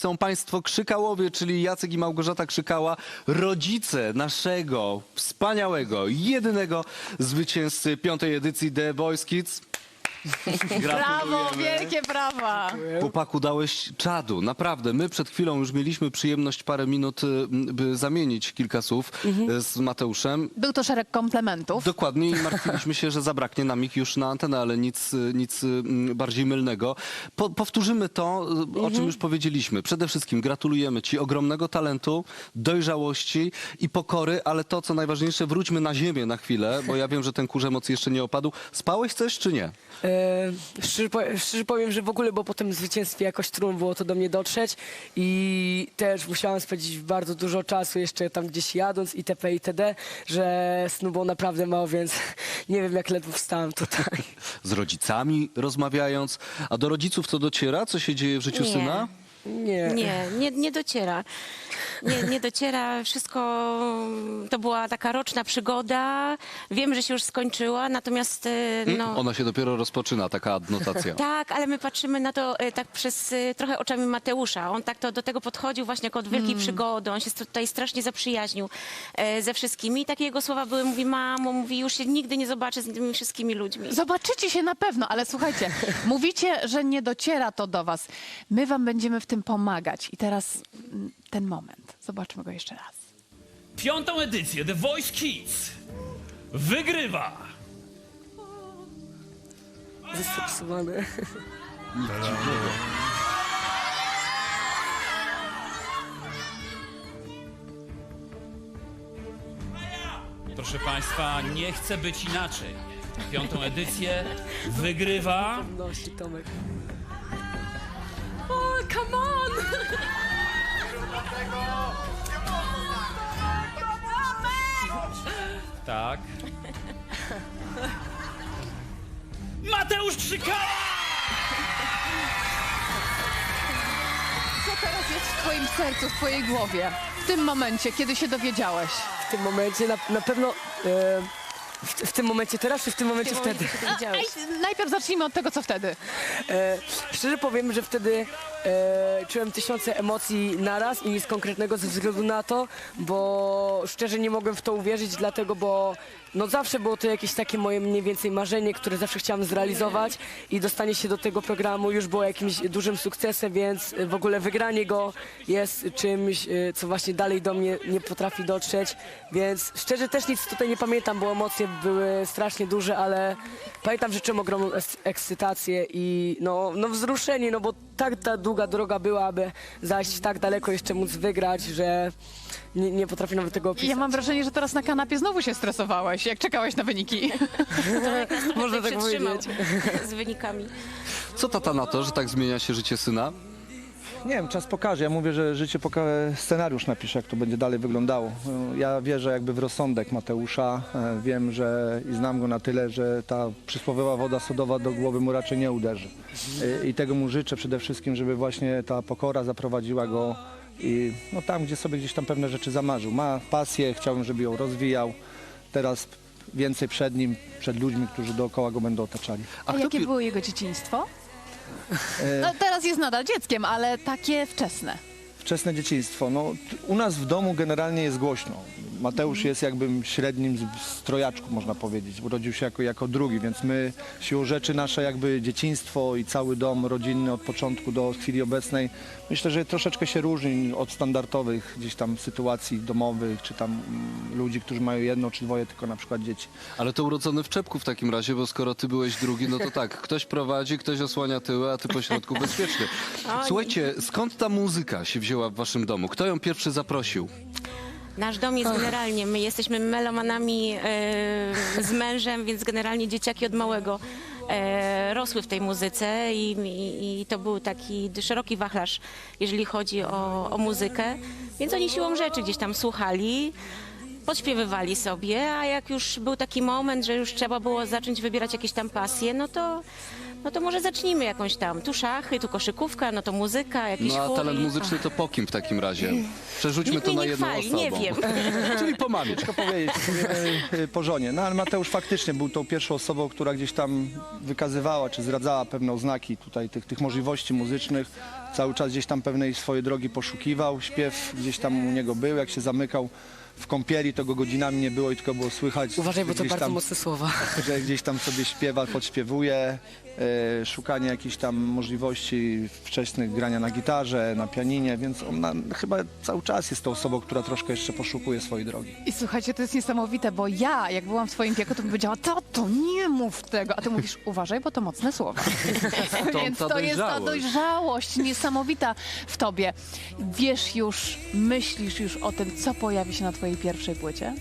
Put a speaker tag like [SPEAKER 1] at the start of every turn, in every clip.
[SPEAKER 1] Są państwo Krzykałowie, czyli Jacek i Małgorzata Krzykała, rodzice naszego wspaniałego, jedynego zwycięzcy 5. edycji The Voice Kids.
[SPEAKER 2] Brawo, wielkie brawa.
[SPEAKER 1] Chłopaku, dałeś czadu, naprawdę. My przed chwilą już mieliśmy przyjemność parę minut, by zamienić kilka słów z Mateuszem.
[SPEAKER 2] Był to szereg komplementów.
[SPEAKER 1] Dokładnie i martwiliśmy się, że zabraknie nam ich już na antenę, ale nic bardziej mylnego. Powtórzymy to, o czym już powiedzieliśmy. Przede wszystkim gratulujemy Ci ogromnego talentu, dojrzałości i pokory, ale to, co najważniejsze, wróćmy na ziemię na chwilę, bo ja wiem, że ten kurz emocji jeszcze nie opadł. Spałeś coś czy nie?
[SPEAKER 3] Szczerze powiem, że w ogóle, bo po tym zwycięstwie jakoś trudno było to do mnie dotrzeć i też musiałem spędzić bardzo dużo czasu jeszcze tam gdzieś jadąc itp. itd., że snu było naprawdę mało, więc nie wiem, jak ledwo wstałem tutaj.
[SPEAKER 1] Z rodzicami rozmawiając, a do rodziców to dociera, co się dzieje w życiu
[SPEAKER 4] Nie.
[SPEAKER 1] syna?
[SPEAKER 4] Nie dociera. Nie dociera. Wszystko to była taka roczna przygoda. Wiem, że się już skończyła, natomiast no...
[SPEAKER 1] Ona się dopiero rozpoczyna, taka adnotacja.
[SPEAKER 4] Tak, ale my patrzymy na to tak przez trochę oczami Mateusza. On tak to do tego podchodził właśnie jako od wielkiej przygody. On się tutaj strasznie zaprzyjaźnił ze wszystkimi. I takie jego słowa były, mówi, mamo, mówi, już się nigdy nie zobaczę z tymi wszystkimi ludźmi.
[SPEAKER 2] Zobaczycie się na pewno, ale słuchajcie, mówicie, że nie dociera to do was. My wam będziemy w tym pomagać. I teraz ten moment. Zobaczmy go jeszcze raz.
[SPEAKER 5] 5. edycję The Voice Kids wygrywa
[SPEAKER 3] Zestresowany.
[SPEAKER 5] Proszę Państwa, nie chce być inaczej. 5. edycję wygrywa
[SPEAKER 3] Nosi Tomek.
[SPEAKER 4] O, come on!
[SPEAKER 5] tak Mateusz Krzykała!
[SPEAKER 2] Co teraz jest w twoim sercu, w twojej głowie? W tym momencie, kiedy się dowiedziałeś?
[SPEAKER 3] W tym momencie na pewno... w tym momencie teraz, czy w tym momencie wtedy?
[SPEAKER 2] Najpierw zacznijmy od tego, co wtedy.
[SPEAKER 3] Szczerze powiem, że wtedy czułem tysiące emocji naraz i nic konkretnego ze względu na to, bo szczerze nie mogłem w to uwierzyć, dlatego, bo no zawsze było to jakieś takie moje mniej więcej marzenie, które zawsze chciałam zrealizować i dostanie się do tego programu już było jakimś dużym sukcesem, więc w ogóle wygranie go jest czymś, co właśnie dalej do mnie nie potrafi dotrzeć, więc szczerze też nic tutaj nie pamiętam, bo emocje były strasznie duże, ale pamiętam, że czułem ogromną ekscytację i no wzruszenie, no bo tak ta długa droga była, aby zajść tak daleko, jeszcze móc wygrać, że nie potrafię nawet tego opisać.
[SPEAKER 2] Ja mam wrażenie, że teraz na kanapie znowu się stresowałeś, jak czekałeś na wyniki.
[SPEAKER 3] Można tak
[SPEAKER 4] Przytrzymał
[SPEAKER 3] powiedzieć.
[SPEAKER 4] z wynikami.
[SPEAKER 1] Co tata na to, że tak zmienia się życie syna?
[SPEAKER 6] Nie wiem, czas pokaże. Ja mówię, że życie scenariusz napisze, jak to będzie dalej wyglądało. Ja wierzę jakby w rozsądek Mateusza. Wiem, że i znam go na tyle, że ta przysłowiowa woda sodowa do głowy mu raczej nie uderzy. I tego mu życzę przede wszystkim, żeby właśnie ta pokora zaprowadziła go i no tam, gdzie sobie gdzieś tam pewne rzeczy zamarzył. Ma pasję, chciałbym, żeby ją rozwijał. Teraz więcej przed nim, przed ludźmi, którzy dookoła go będą otaczali.
[SPEAKER 2] A jakie było jego dzieciństwo? No, teraz jest nadal dzieckiem, ale takie wczesne.
[SPEAKER 6] Wczesne dzieciństwo. No, u nas w domu generalnie jest głośno. Mateusz jest jakby średnim z trojaczków, można powiedzieć. Urodził się jako drugi, więc my siłą rzeczy nasze jakby dzieciństwo i cały dom rodzinny od początku do chwili obecnej myślę, że troszeczkę się różni od standardowych gdzieś tam sytuacji domowych, czy tam ludzi, którzy mają jedno czy dwoje tylko na przykład dzieci.
[SPEAKER 1] Ale to urodzony w czepku w takim razie, bo skoro ty byłeś drugi, no to tak, ktoś prowadzi, ktoś osłania tyły, a ty po środku bezpieczny. Słuchajcie, skąd ta muzyka się wzięła w waszym domu? Kto ją pierwszy zaprosił?
[SPEAKER 4] Nasz dom jest generalnie, my jesteśmy melomanami z mężem, więc generalnie dzieciaki od małego rosły w tej muzyce i to był taki szeroki wachlarz, jeżeli chodzi o muzykę, więc oni siłą rzeczy gdzieś tam słuchali, podśpiewywali sobie, a jak już był taki moment, że już trzeba było zacząć wybierać jakieś tam pasje, no to no to może zacznijmy jakąś tam, tu szachy, tu koszykówka, no to muzyka, jakiś
[SPEAKER 1] No a
[SPEAKER 4] chór
[SPEAKER 1] talent
[SPEAKER 4] i-
[SPEAKER 1] muzyczny to po kim w takim razie? Przerzućmy
[SPEAKER 4] Nikt
[SPEAKER 1] to
[SPEAKER 4] mnie
[SPEAKER 1] na
[SPEAKER 4] nie
[SPEAKER 1] jedną
[SPEAKER 4] chwali,
[SPEAKER 1] osobę.
[SPEAKER 4] nie wiem.
[SPEAKER 1] Czyli po mamie.
[SPEAKER 6] Ciężko powiedzieć, powiemy po żonie. No ale Mateusz faktycznie był tą pierwszą osobą, która gdzieś tam wykazywała, czy zdradzała pewne oznaki tutaj tych możliwości muzycznych. Cały czas gdzieś tam pewnej swojej drogi poszukiwał. Śpiew gdzieś tam u niego był, jak się zamykał w kąpieli, to go godzinami nie było i tylko było słychać.
[SPEAKER 3] Uważaj, bo to
[SPEAKER 6] gdzieś
[SPEAKER 3] bardzo
[SPEAKER 6] tam,
[SPEAKER 3] mocne słowa.
[SPEAKER 6] że gdzieś tam sobie śpiewa, podśpiewuje, szukanie jakichś tam możliwości wczesnych grania na gitarze, na pianinie, więc on chyba cały czas jest tą osobą, która troszkę jeszcze poszukuje swojej drogi.
[SPEAKER 2] I słuchajcie, to jest niesamowite, bo ja, jak byłam w twoim wieku, to bym powiedziała, tato, nie mów tego. A ty mówisz, uważaj, bo to mocne słowa. Więc
[SPEAKER 1] ta
[SPEAKER 2] to jest ta
[SPEAKER 1] dojrzałość.
[SPEAKER 2] dojrzałość niesamowita w tobie. Wiesz już, myślisz już o tym, co pojawi się na twojej pierwszej płycie?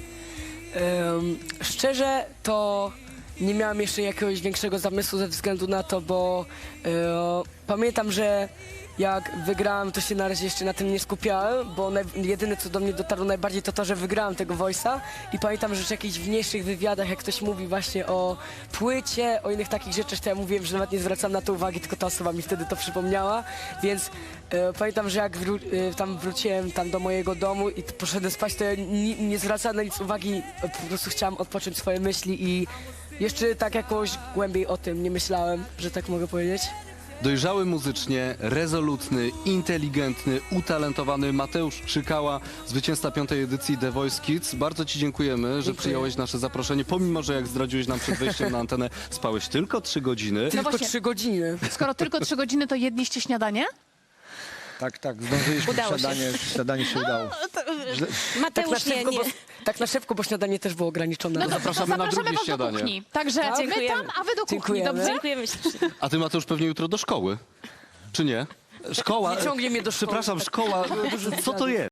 [SPEAKER 3] Szczerze to nie miałem jeszcze jakiegoś większego zamysłu ze względu na to, bo pamiętam, że jak wygrałem, to się na razie jeszcze na tym nie skupiałem, bo jedyne co do mnie dotarło najbardziej to to, że wygrałem tego Voice'a i pamiętam, że w jakichś mniejszych wywiadach, jak ktoś mówi właśnie o płycie, o innych takich rzeczach, to ja mówiłem, że nawet nie zwracam na to uwagi, tylko ta osoba mi wtedy to przypomniała, więc pamiętam, że jak tam wróciłem tam do mojego domu i poszedłem spać, to ja nie zwracałem na nic uwagi, po prostu chciałem odpocząć swoje myśli i jeszcze tak jakoś głębiej o tym nie myślałem, że tak mogę powiedzieć.
[SPEAKER 1] Dojrzały muzycznie, rezolutny, inteligentny, utalentowany Mateusz Krzykała, zwycięzca 5. edycji The Voice Kids. Bardzo ci dziękujemy, że przyjąłeś nasze zaproszenie, pomimo że jak zdradziłeś nam przed wejściem na antenę, spałeś tylko 3 godziny.
[SPEAKER 3] Tylko
[SPEAKER 2] właśnie.
[SPEAKER 3] 3 godziny.
[SPEAKER 2] Skoro tylko 3 godziny, to jedliście śniadanie?
[SPEAKER 6] Tak, zdążyliśmy,
[SPEAKER 4] Udało się.
[SPEAKER 6] śniadanie się udało.
[SPEAKER 3] Tak na,
[SPEAKER 4] Mateusz, nie,
[SPEAKER 3] szybko,
[SPEAKER 4] nie.
[SPEAKER 3] bo, tak na szybko, bo śniadanie też było ograniczone.
[SPEAKER 2] No to
[SPEAKER 1] Zapraszamy na drugie
[SPEAKER 2] was do
[SPEAKER 1] śniadanie.
[SPEAKER 2] kuchni. Także my
[SPEAKER 4] Dziękujemy.
[SPEAKER 2] tam, a wy do kuchni,
[SPEAKER 3] Dziękujemy.
[SPEAKER 2] dobrze?
[SPEAKER 4] Dziękujemy ślicznie.
[SPEAKER 1] A ty, Mateusz, pewnie jutro do szkoły, czy nie? Szkoła,
[SPEAKER 3] Nie ciągnie mnie do szkoły.
[SPEAKER 1] przepraszam, szkoła, co to jest?